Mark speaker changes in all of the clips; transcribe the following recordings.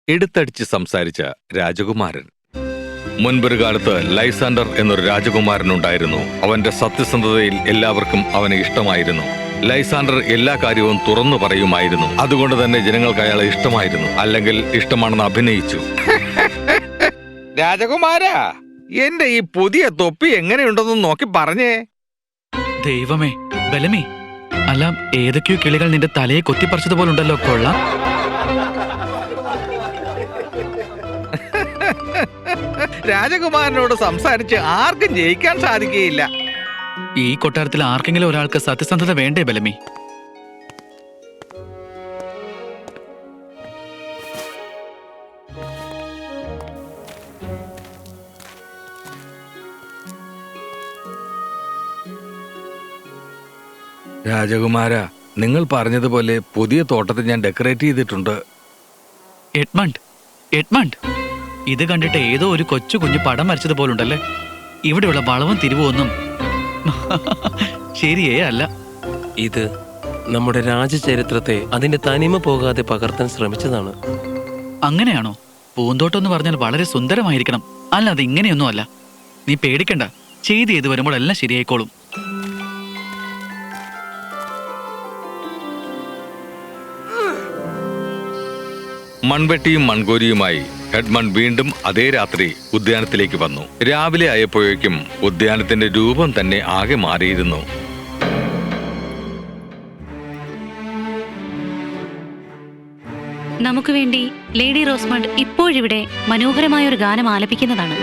Speaker 1: എടുത്തടിച്ച് സംസാരിച്ച രാജകുമാരൻ. മുൻപൊരു കാലത്ത് ലൈസാൻഡർ എന്നൊരു രാജകുമാരനുണ്ടായിരുന്നു. അവന്റെ സത്യസന്ധതയിൽ എല്ലാവർക്കും അവനെ ഇഷ്ടമായിരുന്നു. ലൈസാൻഡർ എല്ലാ കാര്യവും തുറന്നു പറയുമായിരുന്നു. അതുകൊണ്ട് തന്നെ ജനങ്ങൾക്ക് അയാളെ ഇഷ്ടമായിരുന്നു, അല്ലെങ്കിൽ ഇഷ്ടമാണെന്ന് അഭിനയിച്ചു. രാജകുമാരാ, എന്റെ ഈ പുതിയ തൊപ്പി എങ്ങനെയുണ്ടെന്ന് നോക്കി പറഞ്ഞേ.
Speaker 2: ദൈവമേ, ബലമേ, അല്ല ഏതൊക്കെയോ കിളികൾ നിന്റെ തലയെ കൊത്തിപ്പറിച്ചതുപോലുണ്ടല്ലോ. കൊള്ളാം.
Speaker 1: രാജകുമാരനോട് സംസാരിച്ച് ആർക്കും ജയിക്കാൻ സാധിക്കുകയില്ല.
Speaker 2: ഈ കൊട്ടാരത്തിൽ ആർക്കെങ്കിലും ഒരാൾക്ക് സത്യസന്ധത വേണ്ടേ ബലമേ?
Speaker 1: രാജകുമാര, നിങ്ങൾ പറഞ്ഞതുപോലെ പുതിയ തോട്ടത്തിൽ ഞാൻ ഡെക്കറേറ്റ് ചെയ്തിട്ടുണ്ട്.
Speaker 2: എഡ്മണ്ട്, എഡ്മണ്ട്, ഇത് കണ്ടിട്ട് ഏതോ ഒരു കൊച്ചു കുഞ്ഞു പടം വരച്ചതുപോലുണ്ടല്ലേ. ഇവിടെയുള്ള വളവും തിരിവൊന്നും ശരിയേ അല്ല.
Speaker 3: ഇത് നമ്മുടെ രാജചരിത്രത്തെ അതിന്റെ തനിമ പോകാതെ പകർത്താൻ ശ്രമിച്ചതാണ്.
Speaker 2: അങ്ങനെയാണോ? പൂന്തോട്ടം എന്ന് പറഞ്ഞാൽ വളരെ സുന്ദരമായിരിക്കണം, അല്ലാതെ ഇങ്ങനെയൊന്നും അല്ല. നീ പേടിക്കണ്ട, ചെയ്ത് വരുമ്പോൾ എല്ലാം ശരിയായിക്കോളും.
Speaker 1: മൺവെട്ടിയും മൺകോരിയുമായി എഡ്മണ്ട് വീണ്ടും അതേ രാത്രി ഉദ്യാനത്തിലേക്ക് വന്നു. രാവിലെ ആയപ്പോഴേക്കും ഉദ്യാനത്തിന്റെ രൂപം തന്നെ ആകെ മാറിയിരുന്നു.
Speaker 4: നമുക്ക് വേണ്ടി ലേഡി റോസ്മണ്ട് ഇപ്പോഴിവിടെ മനോഹരമായ ഒരു ഗാനം ആലപിക്കുന്നതാണ്.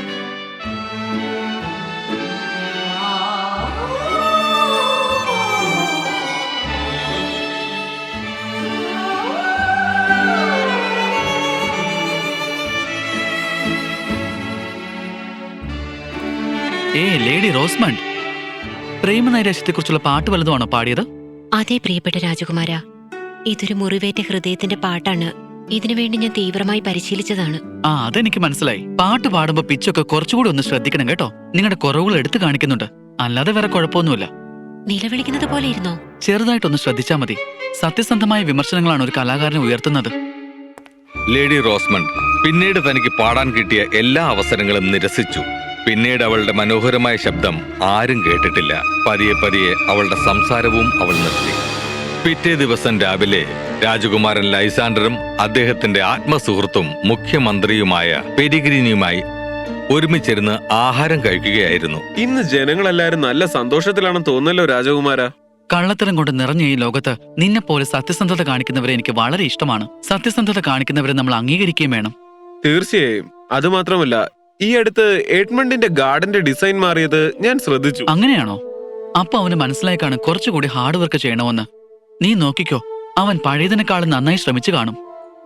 Speaker 2: ലേഡി റോസ്മണ്ട്, പ്രേമനൈരാശ്യത്തെക്കുറിച്ചുള്ള പാട്ട് വല്ലതുമാണോ പാടിയത്?
Speaker 5: അതെ പ്രിയപ്പെട്ട രാജകുമാര, ഇതൊരു മുറിവേറ്റ ഹൃദയത്തിന്റെ പാട്ടാണ്. ഇതിനുവേണ്ടി ഞാൻ തീവ്രമായി പരിശീലിച്ചതാണ്.
Speaker 2: അതെനിക്ക് മനസ്സിലായി. പാട്ട് പാടുമ്പോ പിച്ചൊക്കെ കുറച്ചുകൂടി ഒന്ന് ശ്രദ്ധിക്കണം കേട്ടോ. നിങ്ങളുടെ കുറവുകൾ എടുത്തു കാണിക്കുന്നുണ്ട്, അല്ലാതെ വേറെ കുഴപ്പമൊന്നുമില്ല.
Speaker 5: നിലവിളിക്കുന്നത് പോലെ ഇരുന്നോ?
Speaker 2: ചെറുതായിട്ടൊന്ന് ശ്രദ്ധിച്ചാൽ മതി. സത്യസന്ധമായ വിമർശനങ്ങളാണ് ഒരു കലാകാരനെ ഉയർത്തുന്നത്.
Speaker 1: ലേഡി റോസ്മണ്ട് പിന്നീട് തനിക്ക് പാടാൻ കിട്ടിയ എല്ലാ അവസരങ്ങളും നിരസിച്ചു. പിന്നീട് അവളുടെ മനോഹരമായ ശബ്ദം ആരും കേട്ടിട്ടില്ല. പതിയെ പതിയെ അവളുടെ സംസാരവും അവൾ നിർത്തി. പിറ്റേ ദിവസം രാവിലെ രാജകുമാരൻ ലൈസാൻഡറും അദ്ദേഹത്തിന്റെ ആത്മസുഹൃത്തും മുഖ്യമന്ത്രിയുമായ പെരിഗ്രീനിയുമായി ഒരുമിച്ചിരുന്ന് ആഹാരം കഴിക്കുകയായിരുന്നു.
Speaker 6: ഇന്ന് ജനങ്ങളെല്ലാരും നല്ല സന്തോഷത്തിലാണെന്ന് തോന്നല്ലോ രാജകുമാര.
Speaker 2: കള്ളത്തരം കൊണ്ട് നിറഞ്ഞ ഈ ലോകത്ത് നിന്നെപ്പോലെ സത്യസന്ധത കാണിക്കുന്നവരെ എനിക്ക് വളരെ ഇഷ്ടമാണ്. സത്യസന്ധത കാണിക്കുന്നവരെ നമ്മൾ അംഗീകരിക്കുകയും വേണം.
Speaker 6: തീർച്ചയായും. അതുമാത്രമല്ല, ഈ അടുത്ത് എഡ്മണ്ടിന്റെ ഗാർഡന്റെ ഡിസൈൻ മാറിയത് ഞാൻ ശ്രദ്ധിച്ചു.
Speaker 2: അങ്ങനെയാണോ? അപ്പൊ അവന് മനസ്സിലായിക്കാണ് കുറച്ചുകൂടി ഹാർഡ് വർക്ക് ചെയ്യണമെന്ന്. നീ നോക്കിക്കോ, അവൻ പഴയതിനേക്കാളും നന്നായി ശ്രമിച്ചു കാണും.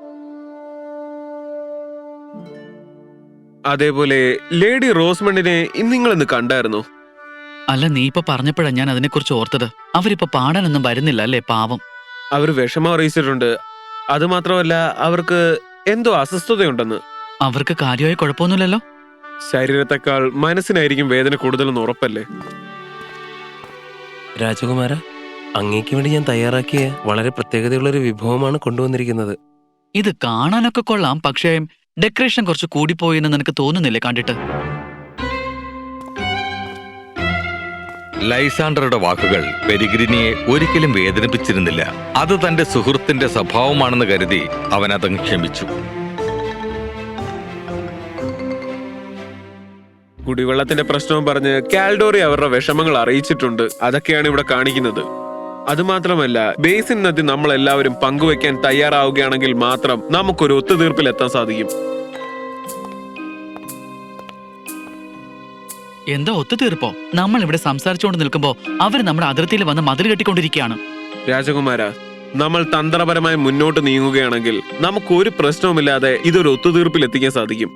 Speaker 6: അതേപോലെ ലേഡി റോസ്മണ്ടിനെ നിങ്ങളിന്ന് കണ്ടായിരുന്നോ?
Speaker 2: അല്ല, നീ ഇപ്പൊ പറഞ്ഞപ്പോഴാ ഞാൻ അതിനെക്കുറിച്ച് ഓർത്തത്. അവരിപ്പോ പാടാനൊന്നും വരുന്നില്ല അല്ലേ, പാവം.
Speaker 6: അവർ വിഷമം അറിയിച്ചിട്ടുണ്ട്. അതുമാത്രമല്ല, അവർക്ക് എന്തോ അസ്വസ്ഥതയുണ്ടെന്ന്.
Speaker 2: അവർക്ക് കാര്യമായ കുഴപ്പമൊന്നുമില്ലല്ലോ?
Speaker 6: ശരീരത്തെക്കാൾ മനസ്സിനായിരിക്കും വേദന കൂടുതലെന്ന് ഉറപ്പല്ലേ?
Speaker 3: രാജകുമാര, അങ്ങേക്ക് വേണ്ടി ഞാൻ തയ്യാറാക്കിയ വളരെ പ്രത്യേകതയുള്ളൊരു വിഭവമാണ് കൊണ്ടുവന്നിരിക്കുന്നത്.
Speaker 2: ഇത് കാണാനൊക്കെ കൊള്ളാം, പക്ഷേ ഡെക്കറേഷൻ കുറച്ച് കൂടിപ്പോയി എന്ന് നിനക്ക് തോന്നുന്നില്ലേ കണ്ടിട്ട്?
Speaker 1: ലൈസാൻഡറുടെ വാക്കുകൾ പെരിഗ്രിനിയെ ഒരിക്കലും വേദനിപ്പിച്ചിരുന്നില്ല. അത് തന്റെ സുഹൃത്തിന്റെ സ്വഭാവമാണെന്ന് കരുതി അവൻ അതങ്ങ് ക്ഷമിച്ചു.
Speaker 6: കുടിവെള്ളത്തിന്റെ പ്രശ്നവും പറഞ്ഞ് കാൽഡോറി അവരുടെ വിഷമങ്ങൾ അറിയിച്ചിട്ടുണ്ട്. അതൊക്കെയാണ് ഇവിടെ കാണിക്കുന്നത്. അതുമാത്രമല്ല, ബേസിൻ നദി നമ്മൾ എല്ലാവരും പങ്കുവെക്കാൻ തയ്യാറാവുകയാണെങ്കിൽ മാത്രം നമുക്കൊരു ഒത്തുതീർപ്പിൽ എത്താൻ സാധിക്കും.
Speaker 2: എന്താ ഒത്തുതീർപ്പോ? നമ്മൾ ഇവിടെ സംസാരിച്ചുകൊണ്ട് നിൽക്കുമ്പോ അവർ നമ്മുടെ അതിർത്തിയിൽ വന്ന് മതിൽ കെട്ടിക്കൊണ്ടിരിക്കുകയാണ്.
Speaker 6: രാജകുമാര, നമ്മൾ തന്ത്രപരമായി മുന്നോട്ട് നീങ്ങുകയാണെങ്കിൽ നമുക്കൊരു പ്രശ്നവുമില്ലാതെ ഇതൊരു ഒത്തുതീർപ്പിൽ എത്തിക്കാൻ സാധിക്കും.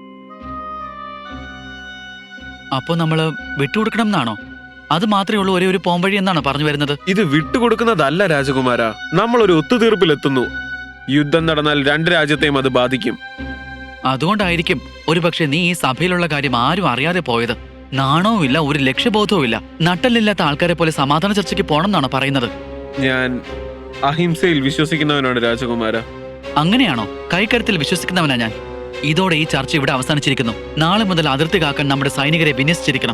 Speaker 2: അപ്പോ നമ്മള് വിട്ടുകൊടുക്കണം എന്നാണോ? അത് മാത്രമേ ഉള്ളൂ ഒരേ ഒരു പോംവഴി എന്നാണോ പറഞ്ഞു വരുന്നത്?
Speaker 6: ഇത് വിട്ടുകൊടുക്കുന്നതല്ല രാജകുമാര, നമ്മൾ ഒരു ഒത്തുതീർപ്പിലെത്തുന്നു. യുദ്ധം നടന്നാൽ രണ്ട് രാജ്യത്തെയും അത് ബാധിക്കും.
Speaker 2: അതുകൊണ്ടായിരിക്കും ഒരുപക്ഷെ നീ ഈ സഭയിലുള്ള കാര്യം ആരും അറിയാതെ പോയത്. നാണവും ഇല്ല, ഒരു ലക്ഷ്യബോധവും ഇല്ല. നട്ടലില്ലാത്ത ആൾക്കാരെ പോലെ സമാധാന ചർച്ചയ്ക്ക് പോണം എന്നാണോ പറയുന്നത്?
Speaker 6: ഞാൻ അഹിംസയിൽ വിശ്വസിക്കുന്നവനാണ് രാജകുമാര.
Speaker 2: അങ്ങനെയാണോ? കൈക്കരുത്തിൽ വിശ്വസിക്കുന്നവനാ ഞാൻ. ഇതോടെ ഈ ചർച്ച ഇവിടെ അവസാനിച്ചിരിക്കുന്നു. നാളെ മുതൽ അതിർത്തി കാക്കാൻ നമ്മുടെ സൈനികരെ വിന്യസിച്ചിരിക്കണം.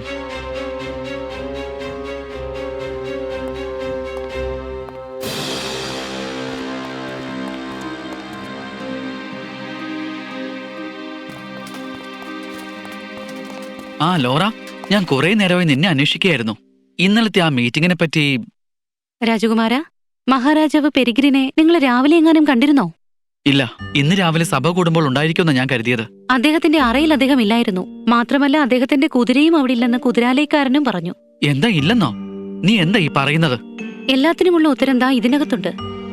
Speaker 2: ആ ലോറ, ഞാൻ കുറെ നേരമായി നിന്നെ അന്വേഷിക്കുകയായിരുന്നു. ഇന്നലത്തെ ആ മീറ്റിംഗിനെ പറ്റി.
Speaker 4: രാജകുമാര, മഹാരാജാവ് പെരിഗ്രിനെ നിങ്ങൾ രാവിലെ എങ്ങാനും കണ്ടിരുന്നോ?
Speaker 2: ഇല്ല, ഇന്ന് രാവിലെ സഭ കൂടുമ്പോൾ ഉണ്ടായിരിക്കുമെന്ന് ഞാൻ കരുതിയത്.
Speaker 4: അദ്ദേഹത്തിന്റെ അറയിൽ അദ്ദേഹം ഇല്ലായിരുന്നു. മാത്രമല്ല അദ്ദേഹത്തിന്റെ കുതിരയും അവിടെ ഇല്ലെന്ന് കുതിരാലയക്കാരനും പറഞ്ഞു.
Speaker 2: എന്താ ഇല്ലെന്നോ? നീ എന്താ ഈ പറയുന്നത്?
Speaker 4: എല്ലാത്തിനുമുള്ള ഉത്തരം ദാ ഇതിനകത്തുണ്ട്.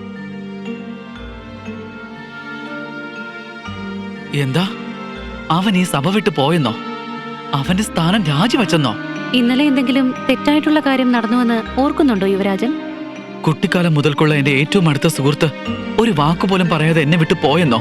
Speaker 2: എന്താ? അവൻ ഈ സഭ വിട്ടു പോയെന്നോ? അവന്റെ സ്ഥാനം രാജിവെച്ചെന്നോ?
Speaker 4: ഇന്നലെ എന്തെങ്കിലും തെറ്റായിട്ടുള്ള കാര്യം നടന്നുവെന്ന് ഓർക്കുന്നുണ്ടോ യുവരാജൻ?
Speaker 2: കുട്ടിക്കാലം മുതൽക്കുള്ള എന്റെ ഏറ്റവും അടുത്ത സുഹൃത്ത് ഒരു വാക്കുപോലും പറയാതെ എന്നെ വിട്ടു പോയെന്നോ?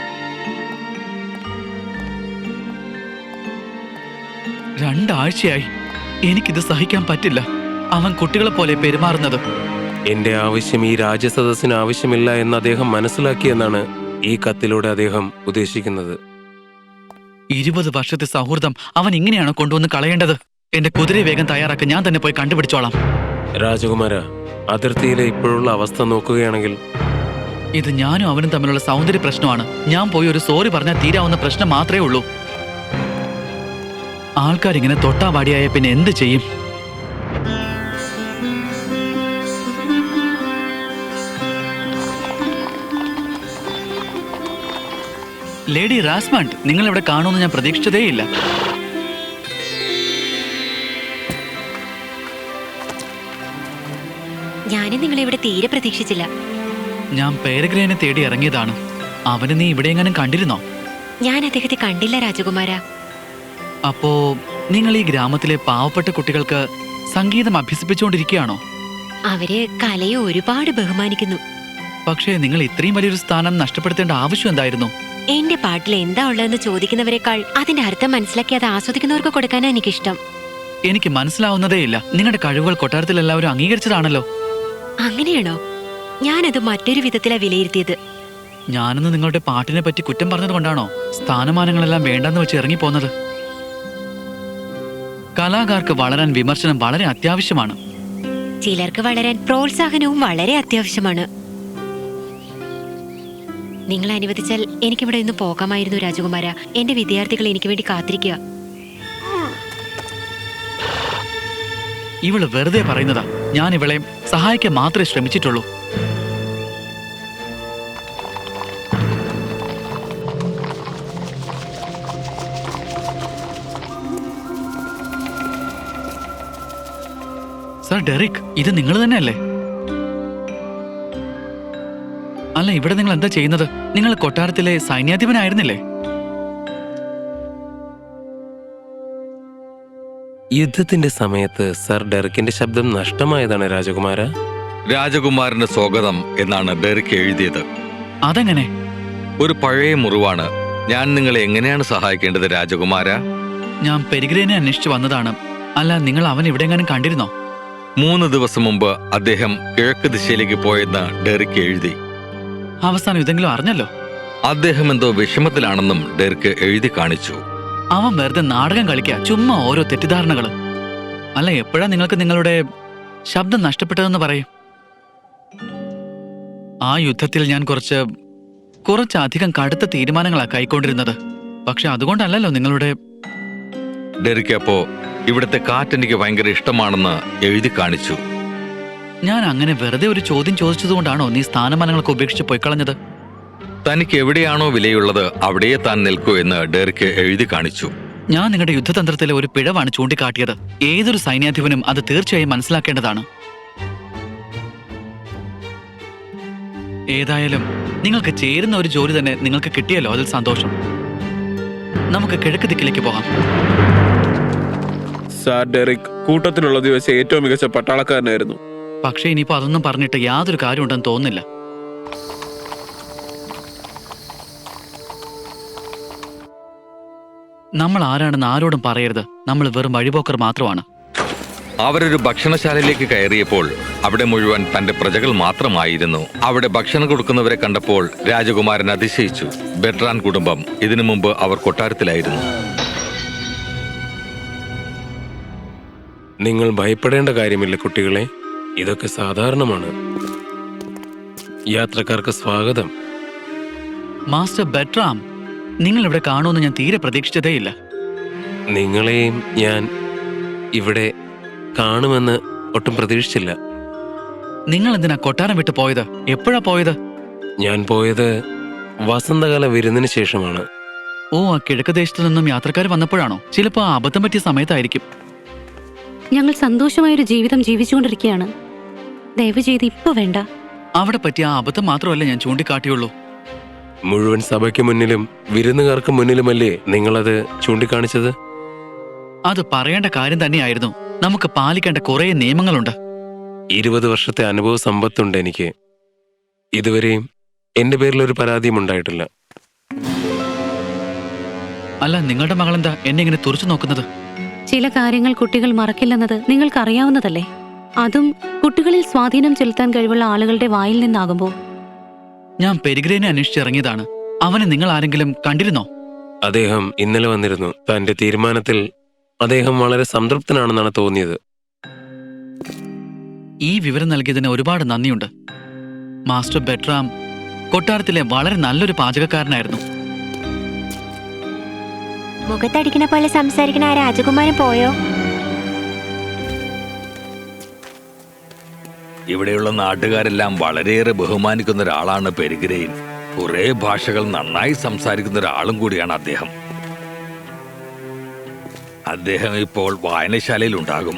Speaker 2: രണ്ടാഴ്ചയായി. എനിക്കിത് സഹിക്കാൻ പറ്റില്ല. അവൻ കുട്ടികളെ പോലെ പെരുമാറുന്നത്.
Speaker 3: എന്റെ ആവശ്യം ഈ രാജസദസ്സിന് ആവശ്യമില്ല എന്ന് അദ്ദേഹം മനസ്സിലാക്കിയെന്നാണ് ഈ കത്തിലൂടെ അദ്ദേഹം ഉദ്ദേശിക്കുന്നത്.
Speaker 2: 20 വർഷത്തെ സൗഹൃദം അവൻ ഇങ്ങനെയാണോ കൊണ്ടുവന്ന് കളയേണ്ടത്? എന്റെ കുതിരയെ വേഗം തയ്യാറാക്കി ഞാൻ തന്നെ പോയി കണ്ടുപിടിച്ചോളാം.
Speaker 3: രാജകുമാര, അതിർത്തിയിലെ ഇപ്പോഴുള്ള അവസ്ഥ നോക്കുകയാണെങ്കിൽ
Speaker 2: ഇത് ഞാനും അവനും തമ്മിലുള്ള സൗന്ദര്യ പ്രശ്നമാണ്. ഞാൻ പോയി ഒരു സോറി പറഞ്ഞാൽ തീരാവുന്ന പ്രശ്നം മാത്രമേ ഉള്ളൂ. ആൾക്കാരിങ്ങനെ തൊട്ടാവാടിയായ പിന്നെ എന്ത് ചെയ്യും? ലേഡി റാസ്മണ്ട്, നിങ്ങൾ ഇവിടെ കാണുമെന്ന് ഞാൻ പ്രതീക്ഷിച്ചതേയില്ല.
Speaker 5: ഞാനും നിങ്ങളെ ഇവിടെ തീരെ പ്രതീക്ഷിച്ചില്ല.
Speaker 2: ഞാൻ പേരഗ്രേനെ തേടി ഇറങ്ങിയതാണ്. അവന് നീ ഇവിടെ എങ്ങാനും കണ്ടിരുന്നോ?
Speaker 5: ഞാൻ അദ്ദേഹത്തെ കണ്ടില്ല രാജകുമാര.
Speaker 2: അപ്പോ നിങ്ങൾ ഈ ഗ്രാമത്തിലെ പാവപ്പെട്ട കുട്ടികൾക്ക് സംഗീതം അഭ്യസിപ്പിച്ചുകൊണ്ടിരിക്കുകയാണോ?
Speaker 5: അവര് കലയെ ഒരുപാട് ബഹുമാനിക്കുന്നു.
Speaker 2: പക്ഷേ നിങ്ങൾ ഇത്രയും വലിയൊരു സ്ഥാനം നഷ്ടപ്പെടുത്തേണ്ട ആവശ്യം എന്തായിരുന്നു?
Speaker 5: എന്റെ പാട്ടിൽ എന്താ ഉള്ളതെന്ന് ചോദിക്കുന്നവരെക്കാൾ അതിന്റെ അർത്ഥം മനസ്സിലാക്കി അത് ആസ്വദിക്കുന്നവർക്ക് കൊടുക്കാനാ എനിക്കിഷ്ടം.
Speaker 2: എനിക്ക് മനസ്സിലാവുന്നതേയില്ല. നിങ്ങളുടെ കഴിവുകൾ കൊട്ടാരത്തിൽ എല്ലാവരും അംഗീകരിച്ചതാണല്ലോ.
Speaker 5: അങ്ങനെയാണോ? ഞാനത് മറ്റൊരു വിധത്തിലാ വിലയിരുത്തിയത്.
Speaker 2: ഞാനെന്ന് നിങ്ങളുടെ പാട്ടിനെ പറ്റി കുറ്റം പറഞ്ഞത് കൊണ്ടാണോ സ്ഥാനമാനങ്ങളെല്ലാം വേണ്ടെന്ന് വെച്ച് ഇറങ്ങിപ്പോന്നത്? കലാകാർക്ക് വളരാൻ വിമർശനം വളരെ അത്യാവശ്യമാണ്.
Speaker 5: ചിലർക്ക് വളരാൻ പ്രോത്സാഹനവും വളരെ അത്യാവശ്യമാണ്. നിങ്ങൾ അനുവദിച്ചാൽ എനിക്കിവിടെ നിന്ന് പോകാമായിരുന്നു രാജകുമാര. എന്റെ വിദ്യാർത്ഥികൾ എനിക്ക് വേണ്ടി കാത്തിരിക്കുക.
Speaker 2: ഇവള് വെറുതെ പറയുന്നതാ. ഞാൻ ഇവളെ സഹായിക്കാൻ മാത്രമേ ശ്രമിച്ചിട്ടുള്ളൂ. സർ ഡെറിക്, ഇത് നിങ്ങൾ തന്നെയല്ലേ? അല്ല, ഇവിടെ നിങ്ങൾ എന്താ ചെയ്യുന്നത്? നിങ്ങൾ കൊട്ടാരത്തിലെ സൈന്യാധിപനായിരുന്നില്ലേ?
Speaker 3: യുദ്ധത്തിന്റെ സമയത്ത് സർ ഡെറിക്കിന്റെ ശബ്ദം നഷ്ടമായതാണ് രാജകുമാര.
Speaker 1: രാജകുമാരന് സ്വാഗതം എന്നാണ് ഡെറിക് എഴുതിയത്.
Speaker 2: അതെങ്ങനെ?
Speaker 1: ഒരു പഴയ മുറിവാണ്. ഞാൻ നിങ്ങളെ എങ്ങനെയാണ് സഹായിക്കേണ്ടത് രാജകുമാര?
Speaker 2: ഞാൻ പെരിഗ്രേനെ അന്വേഷിച്ചു വന്നതാണ്. അല്ല, നിങ്ങൾ അവൻ എവിടെയെങ്ങാനും കണ്ടിരുന്നോ?
Speaker 1: 3 ദിവസം മുമ്പ് അദ്ദേഹം കിഴക്ക് ദിശയിലേക്ക് പോയെന്ന് ഡെറിക് എഴുതി.
Speaker 2: അവസാനം ഇതെങ്കിലും അറിഞ്ഞല്ലോ.
Speaker 1: അദ്ദേഹം എന്തോ വിഷമത്തിലാണെന്നും ഡെറിക് എഴുതി കാണിച്ചു.
Speaker 2: അവൻ വെറുതെ നാടകം കളിക്കുക, ചുമ്മാ ഓരോ തെറ്റിദ്ധാരണകള്. അല്ല, എപ്പോഴാ നിങ്ങൾക്ക് നിങ്ങളുടെ ശബ്ദം നഷ്ടപ്പെട്ടതെന്ന് പറയും. ആ യുദ്ധത്തിൽ ഞാൻ കുറച്ചധികം കടുത്ത തീരുമാനങ്ങളാ കൈക്കൊണ്ടിരുന്നത്. പക്ഷെ അതുകൊണ്ടല്ലല്ലോ നിങ്ങളുടെ.
Speaker 1: ഡെറിക് അപ്പോ ഇവിടുത്തെ കാറ്റെനിക്ക് ഭയങ്കര ഇഷ്ടമാണെന്ന് എഴുതി കാണിച്ചു.
Speaker 2: ഞാൻ അങ്ങനെ വെറുതെ ഒരു ചോദ്യം ചോദിച്ചതുകൊണ്ടാണോ നീ സ്ഥാനമാനങ്ങളൊക്കെ ഉപേക്ഷിച്ച് പോയിക്കളഞ്ഞത്?
Speaker 1: തനിക്ക് എവിടെയാണോ വിലയുള്ളത് അവിടെയേ താൻ നിൽക്കൂ എന്ന് ഡെറിക് എഴുതി കാണിച്ചു.
Speaker 2: ഞാൻ നിങ്ങളുടെ യുദ്ധതന്ത്രത്തിലെ ഒരു പിഴവാണ് ചൂണ്ടിക്കാട്ടിയത്. ഏതൊരു സൈന്യാധിപനും അത് തീർച്ചയായും മനസ്സിലാക്കേണ്ടതാണ്. ഏതായാലും നിങ്ങൾക്ക് ചേരുന്ന ഒരു ജോലി തന്നെ നിങ്ങൾക്ക് കിട്ടിയല്ലോ, അതിൽ സന്തോഷം. നമുക്ക് കിഴക്ക് ദിക്കിലേക്ക് പോകാം.
Speaker 6: സാർ ഡെറിക് കൂട്ടത്തിലുള്ളത് വെച്ച് ഏറ്റവും മികച്ച പട്ടാളക്കാരനായിരുന്നു.
Speaker 2: പക്ഷേ ഇനിയിപ്പോ അതൊന്നും പറഞ്ഞിട്ട് യാതൊരു കാര്യമുണ്ടെന്ന് തോന്നുന്നില്ല. നമ്മൾ ആരാണെന്ന് ആരോടും പറയരുത്. നമ്മൾ വെറും വഴിപോക്കർ മാത്രമാണ്.
Speaker 1: അവരൊരു ഭക്ഷണശാലയിലേക്ക് കയറിയപ്പോൾ അവിടെ മുഴുവൻ തന്റെ പ്രജകൾ മാത്രമായിരുന്നു. അവിടെ ഭക്ഷണം കൊടുക്കുന്നവരെ കണ്ടപ്പോൾ രാജകുമാരൻ അതിശയിച്ചു. ബെട്രാൻ കുടുംബം ഇതിനു മുമ്പ് അവർ കൊട്ടാരത്തിലായിരുന്നു.
Speaker 3: നിങ്ങൾ ഭയപ്പെടേണ്ട കാര്യമില്ല കുട്ടികളെ, ഇതൊക്കെ സാധാരണമാണ്. യാത്രക്കാർക്ക് സ്വാഗതം.
Speaker 2: മാസ്റ്റർ ബെട്രാം, നിങ്ങൾ ഇവിടെ കാണുമെന്ന് ഞാൻ തീരെ പ്രതീക്ഷിച്ചതേയില്ല.
Speaker 3: നിങ്ങളെയും ഞാൻ ഇവിടെ കാണുമെന്ന് ഒട്ടും പ്രതീക്ഷിച്ചില്ല.
Speaker 2: നിങ്ങൾ എന്തിനാ കൊട്ടാരം വിട്ട് പോയത്? എപ്പോഴാ പോയത്?
Speaker 3: ഞാൻ പോയത് വസന്തകാല വിരുന്നിന് ശേഷമാണ്.
Speaker 2: ഓ, ആ കിഴക്ക് ദേശത്തു നിന്നും യാത്രക്കാർ വന്നപ്പോഴാണോ? ചിലപ്പോ ആ അബദ്ധം പറ്റിയ സമയത്തായിരിക്കും.
Speaker 4: ഞങ്ങൾ സന്തോഷമായൊരു ജീവിതം ജീവിച്ചുകൊണ്ടിരിക്കുകയാണ്. ദയവ് ചെയ്ത് ഇപ്പൊ വേണ്ട.
Speaker 2: അവിടെ പറ്റിയ ആ അബദ്ധം മാത്രമല്ല ഞാൻ ചൂണ്ടിക്കാട്ടിയുള്ളൂ.
Speaker 3: മുഴുവൻ സഭയ്ക്ക് മുന്നിലും വിരുന്നുകാർക്ക് മുന്നിലുമല്ലേ നിങ്ങളത് ചൂണ്ടിക്കാണിച്ചത്?
Speaker 2: അത് പറയേണ്ട കാര്യം തന്നെയായിരുന്നു. നമുക്ക് പാലിക്കേണ്ട കുറെ നിയമങ്ങളുണ്ട്.
Speaker 3: 20 വർഷത്തെ അനുഭവ സമ്പത്തുണ്ട് എനിക്ക്. ഇതുവരെയും എന്റെ പേരിൽ ഒരു പരാതിയും ഉണ്ടായിട്ടില്ല.
Speaker 2: അല്ല, നിങ്ങളുടെ മകളെന്താ എന്നെ ഇങ്ങനെ തുറച്ചു നോക്കുന്നത്?
Speaker 4: ചില കാര്യങ്ങൾ കുട്ടികൾ മറക്കില്ലെന്നത് നിങ്ങൾക്കറിയാവുന്നതല്ലേ. അതും കുട്ടികളിൽ സ്വാധീനം ചെലുത്താൻ കഴിവുള്ള ആളുകളുടെ വായിൽ നിന്നാകുമ്പോൾ.
Speaker 2: ഞാൻ പെരിഗ്രേനെ അന്വേഷിച്ചിറങ്ങിയതാണ്. അവനെ നിങ്ങൾ ആരെങ്കിലും കണ്ടിരുന്നോ?
Speaker 3: അദ്ദേഹം ഇന്നലെ വന്നിരുന്നു. തന്റെ തീരുമാനത്തിൽ അദ്ദേഹം വളരെ സംതൃപ്തനാണെന്നാണ് തോന്നിയത്.
Speaker 2: ഈ വിവരം നൽകിയതിന് ഒരുപാട് നന്ദിയുണ്ട്. മാസ്റ്റർ ബെട്രാം കൊട്ടാരത്തിലെ വളരെ നല്ലൊരു പാചകക്കാരനായിരുന്നു.
Speaker 5: മുഖത്തടിക്കണ പോലെ സംസാരിക്കണ ആ രാജകുമാരൻ പോയോ?
Speaker 1: ഇവിടെയുള്ള നാട്ടുകാരെല്ലാം വളരെയേറെ ബഹുമാനിക്കുന്ന ഒരാളാണ് പെരിഗ്രേൻ. കുറെ ഭാഷകൾ നന്നായി സംസാരിക്കുന്ന ഒരാളും കൂടിയാണ് അദ്ദേഹം. അദ്ദേഹം ഇപ്പോൾ വായനശാലയിൽ ഉണ്ടാകും.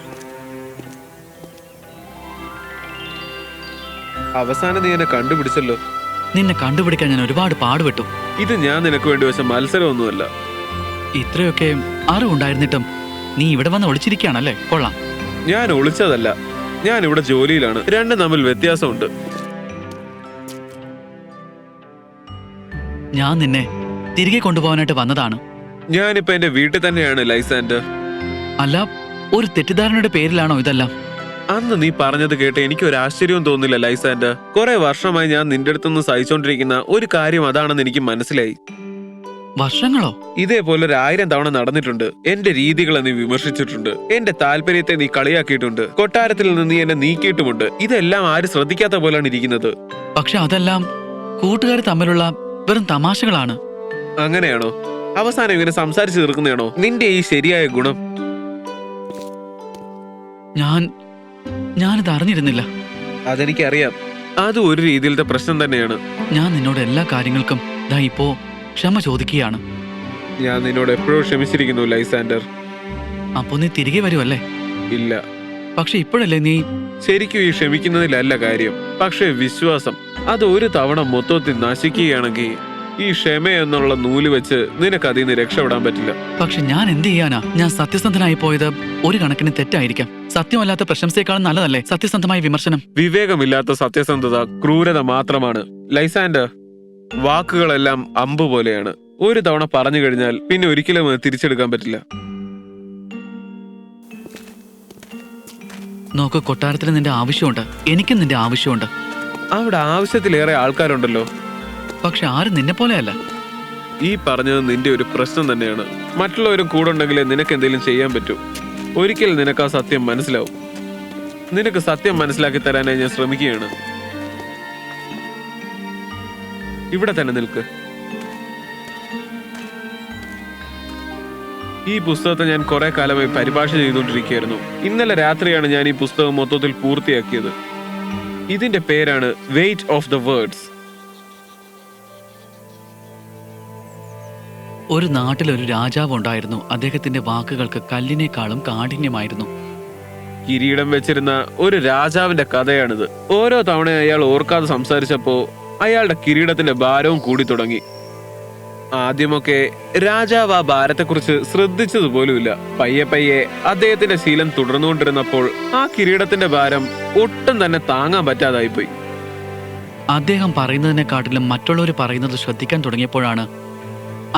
Speaker 6: അവസാനം നീ എന്നെ കണ്ടുപിടിച്ചല്ലോ.
Speaker 2: നിന്നെ കണ്ടുപിടിക്കാൻ ഞാൻ ഒരുപാട് പാടുപെട്ടു.
Speaker 6: ഇത് ഞാൻ നിനക്ക് വേണ്ടി വെച്ച മത്സരമൊന്നുമല്ല.
Speaker 2: ഇത്രയൊക്കെ അറിവുണ്ടായിരുന്നിട്ടും നീ ഇവിടെ വന്ന് ഒളിച്ചിരിക്കുകയാണല്ലേ? കൊള്ളാം.
Speaker 6: ഞാൻ ഒളിച്ചതല്ല, ഞാൻ ഇവിടെ ജോലിയിലാണ്. രണ്ടും തമ്മിൽ വ്യത്യാസമുണ്ട്.
Speaker 2: ഞാൻ നിന്നെ തിരികെ കൊണ്ടുപോകാനായിട്ട് വന്നതാണ്.
Speaker 6: ഞാനിപ്പോ എന്റെ വീട്ടിൽ തന്നെയാണ് ലൈസാൻഡർ.
Speaker 2: അല്ല, ഒരു തെറ്റിദ്ധാരണയുടെ പേരിലാണോ ഇതെല്ലാം?
Speaker 6: അന്ന് നീ പറഞ്ഞത് കേട്ട് എനിക്ക് ഒരു ആശ്ചര്യവും തോന്നില്ല ലൈസാൻഡർ. കുറെ വർഷമായി ഞാൻ നിന്റെ അടുത്തുനിന്ന് സഹിച്ചോണ്ടിരിക്കുന്ന ഒരു കാര്യം അതാണെന്ന് എനിക്ക് മനസ്സിലായി.
Speaker 2: വർഷങ്ങളോ?
Speaker 6: ഇതേപോലെ 1000 തവണ നടന്നിട്ടുണ്ട്. എന്റെ രീതികളെ നീ വിമർശിച്ചിട്ടുണ്ട്. എന്റെ താല്പര്യത്തെ നീ കളിയാക്കിയിട്ടുണ്ട്. കൊട്ടാരത്തിൽ നിന്ന് നീ എന്നെ നീക്കിയിട്ടുമുണ്ട്. ഇതെല്ലാം ആരും ശ്രദ്ധിക്കാത്ത പോലാണ് ഇരിക്കുന്നത്.
Speaker 2: പക്ഷെ അതെല്ലാം കൂട്ടുകാർ തമ്മിലുള്ള വെറും തമാശകളാണ്.
Speaker 6: അങ്ങനെയാണോ? അവസാനം ഇങ്ങനെ സംസാരിച്ചു തീർക്കുന്നതാണോ നിന്റെ ഈ ശരിയായ ഗുണം?
Speaker 2: ഞാനിത് അറിഞ്ഞിരുന്നില്ല.
Speaker 6: അതെനിക്കറിയാം. അത് ഒരു രീതിയിലത്തെ പ്രശ്നം തന്നെയാണ്.
Speaker 2: ഞാൻ നിന്നോട് എല്ലാ കാര്യങ്ങൾക്കും ദാ ഇപ്പോ ക്ഷമ ചോദിക്കുകയാണ്.
Speaker 6: ഞാൻ നിന്നോട് എപ്പോഴും ക്ഷമിച്ചിരിക്കുന്നു ലൈസാൻഡർ.
Speaker 2: അപ്പോ നീ തിരികെ വരുമല്ലേ?
Speaker 6: ഇല്ല,
Speaker 2: പക്ഷെ ഇപ്പോഴല്ലേ നീ...
Speaker 6: ശരിക്കും ഈ ക്ഷമിക്കുന്നതിലല്ല കാര്യം. പക്ഷേ വിശ്വാസം അത് ഒരു തവണ മൊത്തത്തിൽ നശിക്കുകയാണെങ്കിൽ ഈ ക്ഷമ എന്നുള്ള നൂല് വെച്ച് നിനക്ക് അതിൽ നിന്ന് രക്ഷപ്പെടാൻ പറ്റില്ല.
Speaker 2: പക്ഷെ ഞാൻ എന്ത് ചെയ്യാനാ? ഞാൻ സത്യസന്ധനായി പോയത് ഒരു കണക്കിന് തെറ്റായിരിക്കാം. സത്യമല്ലാത്ത പ്രശംസയെക്കാളും നല്ലതല്ലേ സത്യസന്ധമായ വിമർശനം?
Speaker 6: വിവേകമില്ലാത്ത സത്യസന്ധത ക്രൂരത മാത്രമാണ് ലൈസാൻഡർ. വാക്കുകളെല്ലാം അമ്പ് പോലെയാണ്. ഒരു തവണ പറഞ്ഞു കഴിഞ്ഞാൽ പിന്നെ ഒരിക്കലും അത് തിരിച്ചെടുക്കാൻ പറ്റില്ല.
Speaker 2: നോക്ക്, കൊട്ടാരത്തിൽ നിന്റെ ആവശ്യമുണ്ട്, എനിക്കും നിന്റെ ആവശ്യമുണ്ട്.
Speaker 6: അവിടെ ആവശ്യത്തിലേറെ ആൾക്കാരുണ്ടല്ലോ.
Speaker 2: പക്ഷെ ആരും നിന്നെ പോലെയല്ല.
Speaker 6: ഈ പറഞ്ഞത് നിന്റെ ഒരു പ്രശ്നം തന്നെയാണ്. മറ്റുള്ളവരും കൂടെ ഉണ്ടെങ്കിലേ നിനക്ക് എന്തെങ്കിലും ചെയ്യാൻ പറ്റൂ. ഒരിക്കൽ നിനക്ക് ആ സത്യം മനസ്സിലാവും. നിനക്ക് സത്യം മനസ്സിലാക്കി തരാനായി ഞാൻ ശ്രമിക്കുകയാണ്. ഇവിടെ തന്നെ നിൽക്ക്. ഈ പുസ്തകത്തെ ഞാൻ കുറെ കാലമായി പരിഭാഷ ചെയ്തുകൊണ്ടിരിക്കുകയായിരുന്നു. ഇന്നലെ രാത്രിയാണ് ഞാൻ ഈ പുസ്തകം മൊത്തത്തിൽ പൂർത്തിയാക്കിയത്. ഇതിന്റെ പേരാണ് വെയിറ്റ് ഓഫ് ദ വേർഡ്സ്.
Speaker 2: ഒരു നാട്ടിലൊരു രാജാവ് ഉണ്ടായിരുന്നു. അദ്ദേഹത്തിന്റെ വാക്കുകൾക്ക് കല്ലിനേക്കാളും കാഠിന്യമായിരുന്നു.
Speaker 6: കിരീടം വെച്ചിരുന്ന ഒരു രാജാവിന്റെ കഥയാണിത്. ഓരോ തവണ അയാൾ ഓർക്കാതെ സംസാരിച്ചപ്പോ അയാളുടെ കിരീടത്തിന്റെ ഭാരവും കൂടി തുടങ്ങി. ആദ്യമൊക്കെ രാജാവ് ആ ഭാരത്തെക്കുറിച്ച് ശ്രദ്ധിച്ചതുപോലുമില്ല. പയ്യെ പയ്യെ അദ്ദേഹത്തിന്റെ ശീലം തുടർന്നുകൊണ്ടിരുന്നപ്പോൾ ആ കിരീടത്തിന്റെ ഭാരം ഒട്ടും തന്നെ താങ്ങാൻ പറ്റാതായിപ്പോയി.
Speaker 2: അദ്ദേഹം പറയുന്നതിനെക്കാട്ടിലും മറ്റുള്ളവർ പറയുന്നത് ശ്രദ്ധിക്കാൻ തുടങ്ങിയപ്പോഴാണ്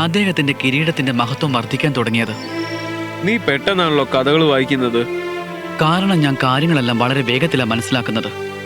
Speaker 2: അദ്ദേഹത്തിന്റെ കിരീടത്തിന്റെ മഹത്വം വർദ്ധിക്കാൻ തുടങ്ങിയത്.
Speaker 6: നീ പെട്ടെന്നാണല്ലോ കഥകൾ വായിക്കുന്നത്.
Speaker 2: കാരണം ഞാൻ കാര്യങ്ങളെല്ലാം വളരെ വേഗത്തിലാണ് മനസ്സിലാക്കുന്നത്.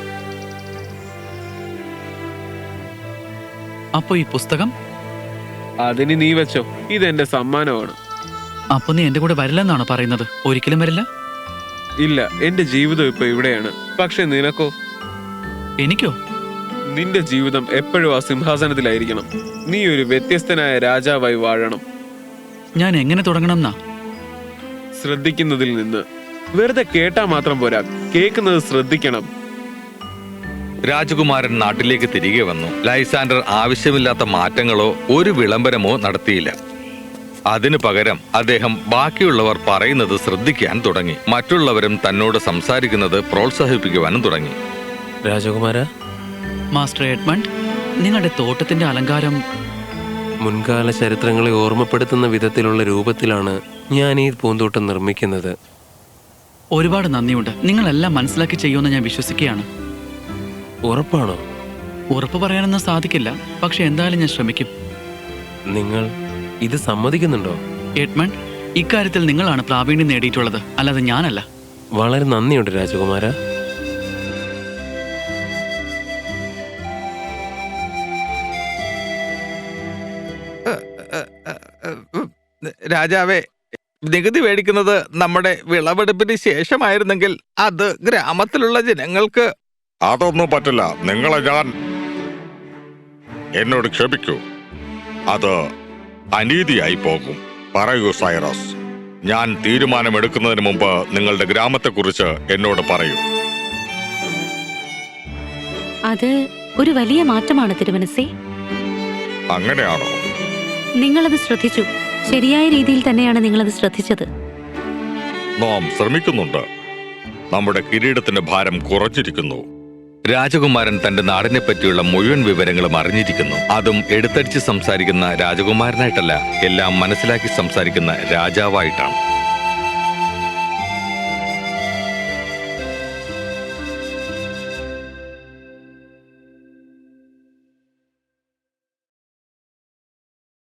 Speaker 2: അപ്പൊ ഈ പുസ്തകം?
Speaker 6: അതിന് നീ വെച്ചോ, ഇതെന്റെ സമ്മാനമാണ്.
Speaker 2: അപ്പൊ നീ എന്റെ കൂടെ വരില്ലെന്നാണോ പറയുന്നത്? ഒരിക്കലും വരില്ല.
Speaker 6: ഇല്ല, എന്റെ ജീവിതം ഇപ്പൊ ഇവിടെയാണ്. പക്ഷെ നിനക്കോ?
Speaker 2: എനിക്കോ?
Speaker 6: നിന്റെ ജീവിതം എപ്പോഴും ആ സിംഹാസനത്തിലായിരിക്കണം. നീ ഒരു വ്യത്യസ്തനായ രാജാവായി വാഴണം.
Speaker 2: ഞാൻ എങ്ങനെ തുടങ്ങണം എന്നാ?
Speaker 6: ശ്രദ്ധിക്കുന്നതിൽ നിന്ന്. വെറുതെ കേട്ടാ മാത്രം പോരാ, കേൾക്കുന്നത് ശ്രദ്ധിക്കണം.
Speaker 1: രാജകുമാരൻ നാട്ടിലേക്ക് തിരികെ വന്നു. ലൈസാൻഡർ ആവശ്യമില്ലാത്ത മാറ്റങ്ങളോ ഒരു വിളംബരമോ നടത്തിയില്ല. അതിനു പകരം അദ്ദേഹം ബാക്കിയുള്ളവർ പറയുന്നത് ശ്രദ്ധിക്കാൻ തുടങ്ങി. മറ്റുള്ളവരും തന്നോട് സംസാരിക്കുന്നത് പ്രോത്സാഹിപ്പിക്കുവാനും തുടങ്ങി.
Speaker 3: രാജകുമാര,
Speaker 2: മാസ്റ്റർ എഡ്മണ്ട്, നിങ്ങളുടെ തോട്ടത്തിന്റെ അലങ്കാരം
Speaker 3: മുൻകാല ചരിത്രങ്ങളെ ഓർമ്മപ്പെടുത്തുന്ന വിധത്തിലുള്ള രൂപത്തിലാണ് ഞാൻ ഈ പൂന്തോട്ടം നിർമ്മിക്കുന്നത്.
Speaker 2: ഒരുപാട് നന്ദിയുണ്ട്. നിങ്ങളെല്ലാം മനസ്സിലാക്കി ചെയ്യുമെന്ന് ഞാൻ വിശ്വസിക്കുകയാണ്.
Speaker 3: ഉറപ്പാണോ?
Speaker 2: ഉറപ്പ് പറയാനൊന്നും സാധിക്കില്ല, പക്ഷെ എന്തായാലും ഞാൻ ശ്രമിക്കും.
Speaker 3: നിങ്ങൾ ഇത് സമ്മതിക്കുന്നുണ്ടോ?
Speaker 2: എഡ്മണ്ട്, ഇക്കാര്യത്തിൽ നിങ്ങളാണ് പ്രാവീണ്യം നേടിയിട്ടുള്ളത്, അല്ലാതെ ഞാനല്ല.
Speaker 3: വളരെ നന്ദിയുണ്ട് രാജകുമാര.
Speaker 1: രാജാവേ, നികുതി മേടിക്കുന്നത് നമ്മുടെ വിളവെടുപ്പിന് ശേഷമായിരുന്നെങ്കിൽ അത് ഗ്രാമത്തിലുള്ള ജനങ്ങൾക്ക്...
Speaker 7: അതൊന്നും പറ്റില്ല. നിങ്ങളെ ഞാൻ... എന്നോട് ക്ഷമിക്കൂ, അത് അനീതിയായി പോകും. പറയൂ സൈറസ്, ഞാൻ തീരുമാനമെടുക്കുന്നതിന് മുമ്പ് നിങ്ങളുടെ ഗ്രാമത്തെക്കുറിച്ച് എന്നോട് പറയൂ.
Speaker 4: അത് ഒരു വലിയ മാറ്റമാണ് തിരുമനസ്സേ.
Speaker 7: അങ്ങനെയാണോ?
Speaker 4: നിങ്ങളത് ശ്രദ്ധിച്ചു. ശരിയായ രീതിയിൽ തന്നെയാണ് നിങ്ങളത് ശ്രദ്ധിച്ചത്.
Speaker 7: നാം ശ്രമിക്കുന്നുണ്ട്. നമ്മുടെ കിരീടത്തിന്റെ ഭാരം കുറഞ്ഞിരിക്കുന്നു.
Speaker 1: രാജകുമാരൻ തന്റെ നാടിനെ പറ്റിയുള്ള മുഴുവൻ വിവരങ്ങളും അറിഞ്ഞിരിക്കുന്നു. അതും എടുത്തടിച്ച് സംസാരിക്കുന്ന രാജകുമാരനായിട്ടല്ല, എല്ലാം മനസ്സിലാക്കി സംസാരിക്കുന്ന രാജാവായിട്ടാണ്.